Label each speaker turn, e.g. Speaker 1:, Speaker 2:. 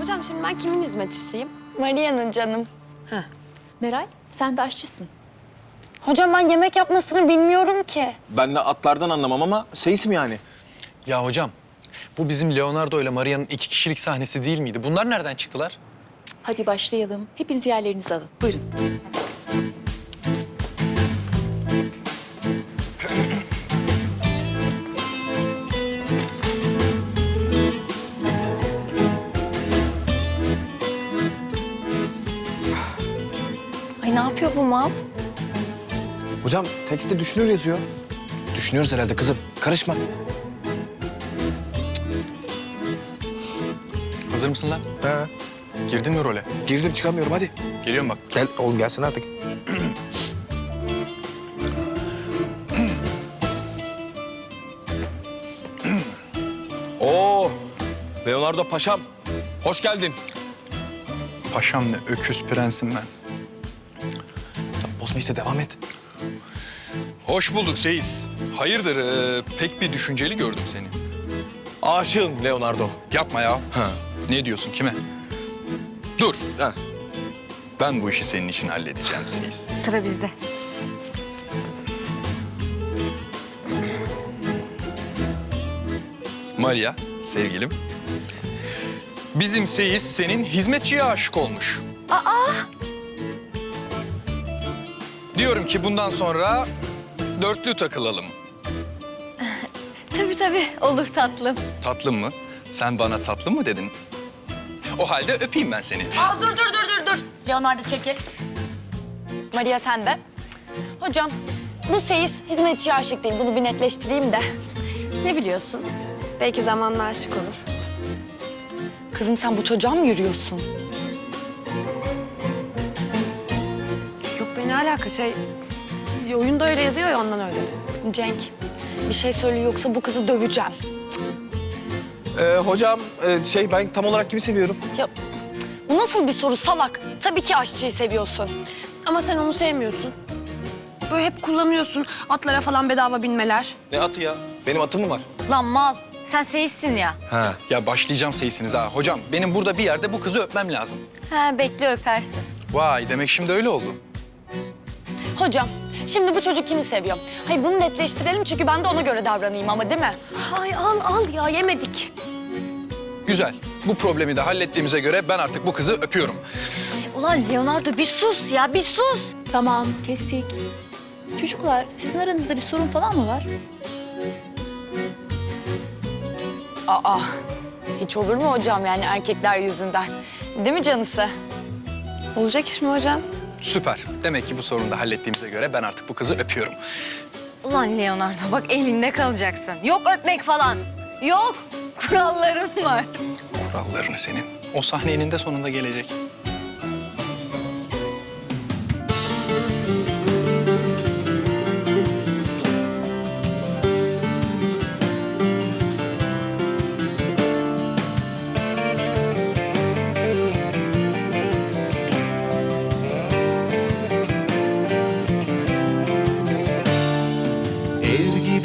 Speaker 1: Hocam şimdi ben kimin hizmetçisiyim?
Speaker 2: Maria'nın canım.
Speaker 1: Heh.
Speaker 3: Meral, sen de aşçısın.
Speaker 2: Hocam ben yemek yapmasını bilmiyorum ki.
Speaker 4: Ben de atlardan anlamam ama seyisim yani.
Speaker 5: Ya hocam, bu bizim Leonardo ile Maria'nın 2 kişilik sahnesi değil miydi? Bunlar nereden çıktılar?
Speaker 3: Hadi başlayalım. Hepiniz yerlerinizi alın. Buyurun.
Speaker 2: Ay ne yapıyor bu mal?
Speaker 4: Hocam tekste düşünür yazıyor. Düşünüyoruz herhalde kızım. Karışma.
Speaker 5: Hazır mısın lan?
Speaker 4: He.
Speaker 5: Girdin mi role?
Speaker 4: Girdim çıkamıyorum hadi.
Speaker 5: Geliyorum bak.
Speaker 4: Gel oğlum gelsin artık. Oo, Leonardo Paşam. Hoş geldin.
Speaker 5: Paşam ne, öküz prensim ben.
Speaker 4: Tamam, bozma işte devam et.
Speaker 5: Hoş bulduk Seyis. Hayırdır, pek bir düşünceli gördüm seni.
Speaker 4: Aşığım Leonardo.
Speaker 5: Yapma ya.
Speaker 4: Ha.
Speaker 5: Ne diyorsun, kime? Dur.
Speaker 4: Ha.
Speaker 5: Ben bu işi senin için halledeceğim Seyis.
Speaker 2: Sıra bizde.
Speaker 5: Maria, sevgilim. Bizim Seyis senin hizmetçiye aşık olmuş. Diyorum ki bundan sonra dörtlü takılalım.
Speaker 2: Tabii olur tatlım.
Speaker 5: Tatlım mı? Sen bana tatlı mı dedin? O halde öpeyim ben seni.
Speaker 2: Aa, dur. Leonardo çekil. Maria sen de. Hocam bu Seyis hizmetçiye aşık değil. Bunu bir netleştireyim de.
Speaker 1: Ne biliyorsun? Belki zamanla aşık olur.
Speaker 2: Kızım sen bu çocuğa mı yürüyorsun?
Speaker 1: Yok be ne alaka oyunda öyle yazıyor ya ondan öyle.
Speaker 2: Cenk bir şey söyle yoksa bu kızı döveceğim.
Speaker 4: Hocam ben tam olarak kimi seviyorum?
Speaker 2: Ya bu nasıl bir soru salak? Tabii ki aşçıyı seviyorsun.
Speaker 1: Ama sen onu sevmiyorsun. Böyle hep kullanıyorsun atlara falan bedava binmeler.
Speaker 4: Ne atı ya? Benim atım mı var?
Speaker 2: Lan mal sen Seyis'sin ya.
Speaker 5: Ha. Ya başlayacağım Seyis'inize ha. Hocam benim burada bir yerde bu kızı öpmem lazım.
Speaker 2: Ha bekle öpersin.
Speaker 5: Vay, demek şimdi öyle oldu.
Speaker 2: Hocam şimdi bu çocuk kimi seviyor? Hayır bunu netleştirelim çünkü ben de ona göre davranayım ama değil mi?
Speaker 1: Ay al ya yemedik.
Speaker 5: Güzel. Bu problemi de hallettiğimize göre ben artık bu kızı öpüyorum.
Speaker 2: Ulan Leonardo bir sus ya bir sus.
Speaker 3: Tamam, kestik. Çocuklar, sizin aranızda bir sorun falan mı var?
Speaker 2: Aa hiç olur mu hocam yani erkekler yüzünden? Değil mi canısı?
Speaker 1: Olacak iş mi hocam?
Speaker 5: Süper. Demek ki bu sorunu da hallettiğimize göre ben artık bu kızı öpüyorum.
Speaker 2: Ulan Leonardo bak elinde kalacaksın. Yok öpmek falan. Yok. Kurallarım var.
Speaker 5: Kurallarını senin. O sahne eninde sonunda gelecek.